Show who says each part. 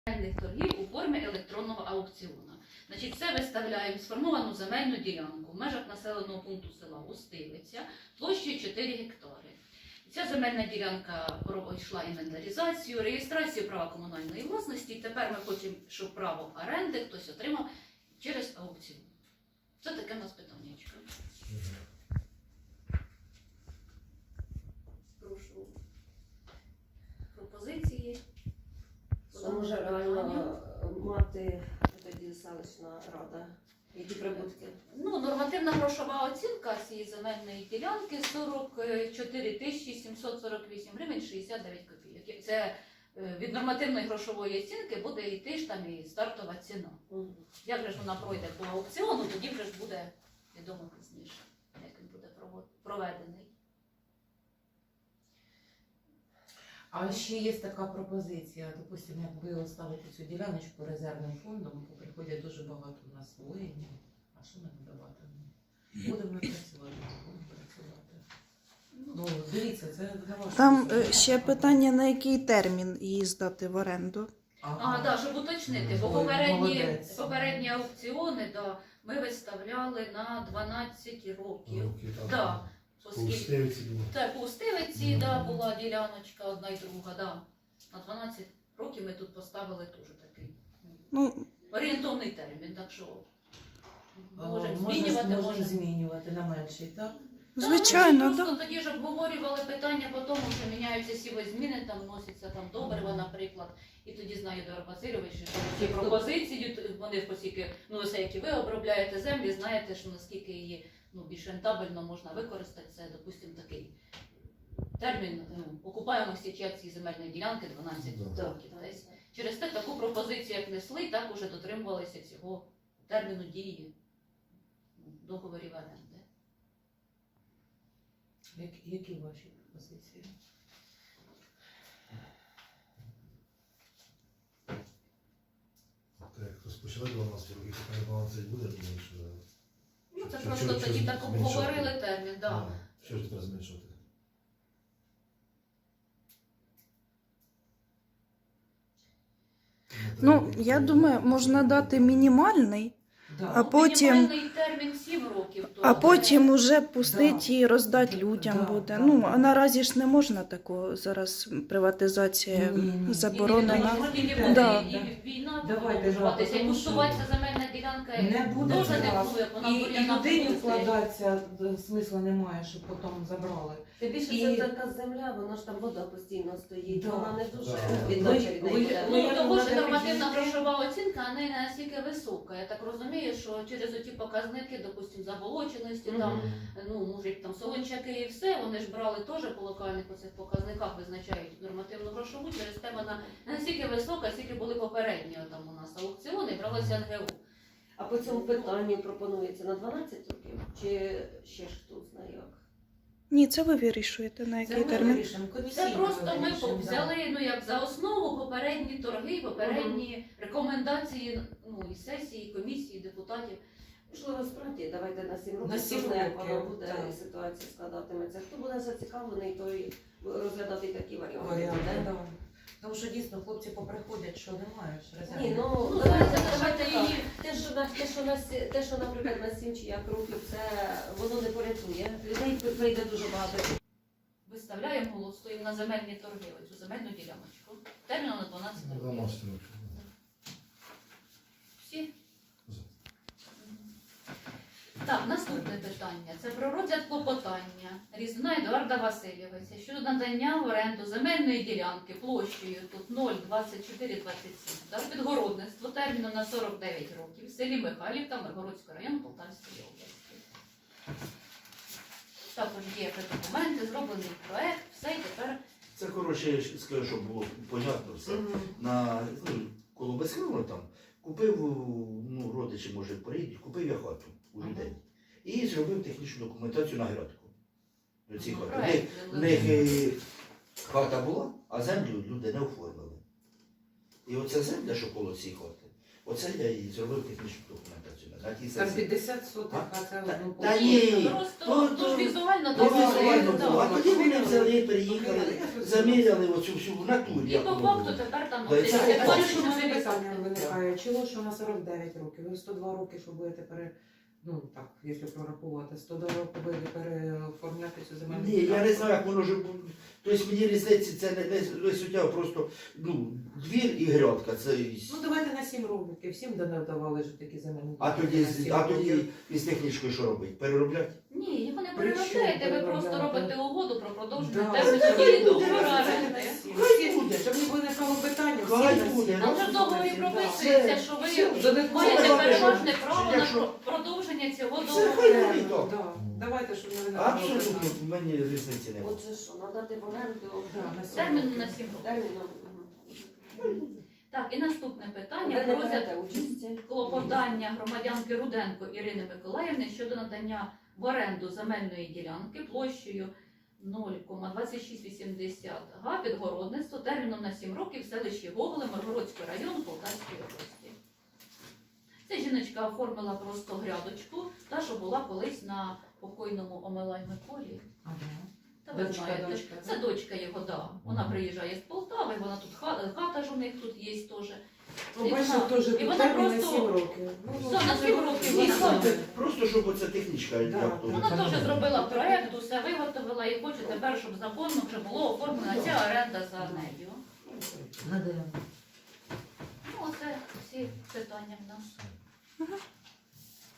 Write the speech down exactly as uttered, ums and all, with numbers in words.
Speaker 1: земельних торгів у формі електронного аукціону. Значить, це виставляємо сформовану земельну ділянку в межах населеного пункту села Устилиця площею чотири гектари. Ця земельна ділянка пройшла інвентаризацію, реєстрацію права комунальної власності. І тепер ми хочемо, щоб право оренди хтось отримав через аукціон. Це таке у нас питаннячко. Прошу пропозиції.
Speaker 2: Що може реально мати тоді селищна рада? Які прибутки?
Speaker 1: Ну, нормативна грошова оцінка цієї земельної ділянки сорок чотири тисячі сімсот сорок вісім гривень шістдесят дев'ять копійок. Це від нормативної грошової оцінки буде йти ж там і стартова ціна.
Speaker 2: Угу.
Speaker 1: Як же ж вона пройде по аукціону, тоді вже ж буде відомо пізніше, як він буде проведений.
Speaker 3: А ще є така пропозиція, допустимо, як ви оставите цю діляночку резервним фондом, бо приходять дуже багато у нас воїнів, а що ми надавати? Будемо працювати, будемо працювати. Ну, дивіться, це для вас.
Speaker 4: Там е, ще питання, на який термін її здати в оренду.
Speaker 1: Ага, так, да, щоб уточнити, бо
Speaker 3: Ой,
Speaker 1: попередні,
Speaker 3: молодець.
Speaker 1: попередні аукціони да, ми виставляли на дванадцять років.
Speaker 5: Руки там.
Speaker 1: Да, оскільки-
Speaker 5: Пустивці було.
Speaker 1: Так, по Устилиці, да, була діляночка одна і друга, да. На дванадцять років ми тут поставили теж такий
Speaker 4: Ну,
Speaker 1: орієнтовний термін, так що
Speaker 3: А,
Speaker 1: можемо
Speaker 3: можна-
Speaker 1: змінювати,
Speaker 3: можемо
Speaker 1: можемо.
Speaker 3: змінювати на менший, так?
Speaker 4: звичайно,
Speaker 1: так.
Speaker 4: так.
Speaker 1: Просто тоді ж обговорювали питання по тому, що міняються сіві зміни, там вносяться там добрива, наприклад, і тоді знає Едуард Васильович, що ці пропозиції, вони оскільки, ну все, які ви обробляєте землі, знаєте, що наскільки її ну, більш рентабельно можна використати, це, допустимо, такий термін ну, окупаємості цієї земельної ділянки дванадцять
Speaker 5: Да.
Speaker 1: років. Тобто, через те таку пропозицію, як несли, так уже дотримувалися цього терміну дії ну, договорів оренди.
Speaker 3: Як, які ваші пропозиції?
Speaker 5: Так, як розпочали дванадцять років, то не дванадцять буде, думаю, що...
Speaker 1: Ну, це
Speaker 5: Що-
Speaker 1: просто
Speaker 5: що-
Speaker 1: тоді
Speaker 5: що
Speaker 1: так
Speaker 5: зменшувати?
Speaker 1: обговорили термін, так.
Speaker 5: А, Що ж тепер зменшувати?
Speaker 4: Ну, я думаю, можна дати мінімальний,
Speaker 3: Да.
Speaker 4: А потім-
Speaker 1: Мінімальний термін сім років. то
Speaker 4: а
Speaker 1: це-
Speaker 4: потім уже пустити
Speaker 3: Да.
Speaker 4: і роздати людям
Speaker 3: Да,
Speaker 4: буде.
Speaker 3: да,
Speaker 4: Ну,
Speaker 3: да.
Speaker 4: а наразі ж не можна такого зараз приватизація
Speaker 3: Ні, ні, ні.
Speaker 4: заборонена.
Speaker 1: І
Speaker 3: Ні,
Speaker 1: буде
Speaker 4: Да.
Speaker 1: і війна
Speaker 3: Давайте,
Speaker 1: продовжуватися,
Speaker 3: да,
Speaker 1: і
Speaker 3: тому що
Speaker 1: кустуватися земельна ділянка
Speaker 3: Не буде
Speaker 1: дуже не
Speaker 3: зараз.
Speaker 1: буде, вона
Speaker 3: І,
Speaker 1: буде
Speaker 3: і
Speaker 1: на
Speaker 3: людині
Speaker 1: пункти.
Speaker 3: вкладатися е, смисла немає, щоб потім забрали.
Speaker 2: Тим більше
Speaker 3: І-
Speaker 2: це така земля, вона ж там вода постійно стоїть,
Speaker 3: Да.
Speaker 2: вона не дуже
Speaker 5: Да.
Speaker 2: віддача від
Speaker 3: Ви-
Speaker 2: неї
Speaker 3: ви-
Speaker 2: буде.
Speaker 3: ви-
Speaker 1: Ну,
Speaker 3: як
Speaker 1: того ж
Speaker 3: вона
Speaker 1: нормативна
Speaker 3: підійде?
Speaker 1: грошова оцінка не настільки висока. Я так розумію, що через оті показники, допустимо, заболоченості, там,
Speaker 5: Мгм.
Speaker 1: ну, може, там солончаки і все, вони ж брали теж по локальних оцих показниках, визначають нормативну грошову, через те вона не настільки висока, скільки були попередні там у нас аукціони, бралися ен ге у.
Speaker 2: А по цьому питанню пропонується на дванадцять років? Чи ще ж хто знає як?
Speaker 4: Ні, це ви вирішуєте, на
Speaker 3: Це
Speaker 4: який
Speaker 3: ми
Speaker 4: термін.
Speaker 3: вирішимо,
Speaker 1: Це
Speaker 3: комісійно
Speaker 1: просто ми
Speaker 3: вирішимо, да.
Speaker 1: взяли ну, як за основу попередні торги, попередні рекомендації ну, і сесії, і комісії, і депутатів.
Speaker 2: Можливо, справді, давайте на сім років,
Speaker 3: На сім
Speaker 2: хто знає, як
Speaker 3: років,
Speaker 2: воно буде,
Speaker 3: так.
Speaker 2: і ситуація складатиметься. Хто буде зацікавлений, той розглядати такі варіанти.
Speaker 3: Варіанти,
Speaker 2: буде.
Speaker 3: да. Тому що дійсно хлопці поприходять, що немає ж резерву.
Speaker 2: Ні, ну,
Speaker 1: Ну,
Speaker 2: давайте,
Speaker 1: давайте,
Speaker 2: давайте
Speaker 1: давайте
Speaker 2: так.
Speaker 1: її.
Speaker 2: Те, що, на, те, що, на, сі- те, що, наприклад, на сім чи як років, це воно не порятує. Людей прийде дуже багато.
Speaker 1: Виставляємо, голосуємо на земельні торги, оцю земельну діляночку. Терміном на дванадцять
Speaker 5: Ну,
Speaker 1: років.
Speaker 5: дванадцять років.
Speaker 1: Всі?
Speaker 5: За.
Speaker 1: Так, наступне питання. Це про розгляд клопотання Різна Едуарда Васильовича щодо надання в оренду земельної ділянки площею тут нуль двадцять чотири двадцять сім та підгородництво терміном на сорок дев'ять років в селі Михайлівка Миргородського району Полтавської області. Також є документи, зроблений проект, все і тепер
Speaker 6: Це, коротше, я скажу, щоб було понятно все. На, ну, коло Безкрила там купив, ну, родичі, може, приїдуть, купив я хату у людей. І зробив технічну документацію на градку. До цієї хати. В них-
Speaker 1: проект.
Speaker 6: В них е, хата була, а землю люди не оформили. І оця земля, що коло цієї хати, Оце я і зробив технічну документацію. На тій
Speaker 3: Там
Speaker 6: сесії.
Speaker 3: п'ятдесят сотих,
Speaker 6: А?
Speaker 3: а це
Speaker 6: Та-
Speaker 3: одну
Speaker 6: та
Speaker 3: площу.
Speaker 6: ні.
Speaker 1: Просто
Speaker 6: То-
Speaker 1: то,
Speaker 6: то-
Speaker 1: ж візуально
Speaker 6: То
Speaker 1: давали,
Speaker 6: візуально
Speaker 1: да.
Speaker 6: було. А тоді вони взяли, приїхали, заміряли оцю всю в натурі.
Speaker 1: І
Speaker 6: як
Speaker 1: по
Speaker 6: воно
Speaker 1: факту
Speaker 6: було.
Speaker 1: тепер там
Speaker 6: Да, і
Speaker 1: носиться
Speaker 6: це-
Speaker 3: А
Speaker 1: двадцять
Speaker 3: що в мене
Speaker 1: чотири
Speaker 3: питання
Speaker 1: відсотки.
Speaker 3: виникає? Чого що на сорок дев'ять років? Ви сто два роки, що будете пере... Ну так, якщо прорахувати, сто два роки будете переоформляти цю земельну
Speaker 6: Ні, я не
Speaker 3: ділянку?
Speaker 6: знаю, як воно ж буде. Тобто мені різниці це не, не, не суттєво, просто ну, двір і грядка. Це...
Speaker 3: Ну давайте на сім років, всім давали ж такі земельні
Speaker 6: А
Speaker 3: ділянки
Speaker 6: тоді,
Speaker 3: на
Speaker 6: з-
Speaker 3: сім
Speaker 6: а тоді
Speaker 3: років.
Speaker 6: із технічкою що робити? Переробляти?
Speaker 1: Ні, його не
Speaker 3: При
Speaker 1: переробляєте, ви
Speaker 3: чому
Speaker 1: просто
Speaker 3: переробляти?
Speaker 1: робите угоду про продовження
Speaker 3: Да,
Speaker 1: терміну
Speaker 3: це
Speaker 1: дії
Speaker 3: буде,
Speaker 1: договору
Speaker 3: це
Speaker 1: оренди.
Speaker 3: на сім.
Speaker 6: Хай
Speaker 3: Всі-
Speaker 6: буде.
Speaker 3: Щоб не виникало питання, всі
Speaker 6: Хай
Speaker 3: на
Speaker 6: буде.
Speaker 3: сім.
Speaker 1: Там же в договорі
Speaker 3: Да.
Speaker 1: прописується, що ви
Speaker 3: Всі, додатково
Speaker 1: маєте
Speaker 6: Давайте,
Speaker 1: переважне
Speaker 6: що-
Speaker 1: право на
Speaker 6: якщо-
Speaker 1: про- продовження цього
Speaker 6: Це
Speaker 1: договору.
Speaker 6: хай буде так.
Speaker 3: Да. Давайте, щоб не виникало
Speaker 6: Абсолютно,
Speaker 3: питання.
Speaker 6: в мені різниці немає.
Speaker 2: Оце що, надати в оренду
Speaker 3: Да, на сім
Speaker 1: Терміну
Speaker 3: років.
Speaker 1: на сім років.
Speaker 2: терміном.
Speaker 1: Так, і наступне питання
Speaker 2: Ви
Speaker 1: про
Speaker 2: не берете
Speaker 1: розгляд
Speaker 2: участі.
Speaker 1: клопотання громадянки Руденко Ірини Миколаївни щодо надання в оренду земельної ділянки площею нуль кома двадцять шість вісімдесят га під городництво терміном на сім років в селищі Гоголи Миргородського району Полтавської області. Ця жіночка оформила просто грядочку, та, що була колись на покойному Омелай Миколі.
Speaker 3: Ага.
Speaker 1: Та ви
Speaker 3: Дочка,
Speaker 1: знаєте,
Speaker 3: дочка,
Speaker 1: це дочка його, да. Вона приїжджає з Полтави, вона тут хата, хата ж у них тут є теж.
Speaker 3: Ну,
Speaker 1: І
Speaker 3: бачите,
Speaker 1: вона-
Speaker 3: теж
Speaker 1: і
Speaker 3: тут
Speaker 1: вона
Speaker 3: термін на
Speaker 1: просто-
Speaker 3: сім років. Ну,
Speaker 1: Все, на сім років
Speaker 3: Ні,
Speaker 1: вона-
Speaker 3: слухайте,
Speaker 6: Просто щоб оця технічка,
Speaker 3: Да,
Speaker 6: як то.
Speaker 3: да.
Speaker 1: Вона теж зробила проєкт, усе виготовила і хоче тепер, щоб законно вже було оформлена ця оренда за нею.
Speaker 3: надаємо.
Speaker 1: Ну, оце всі питання в нас.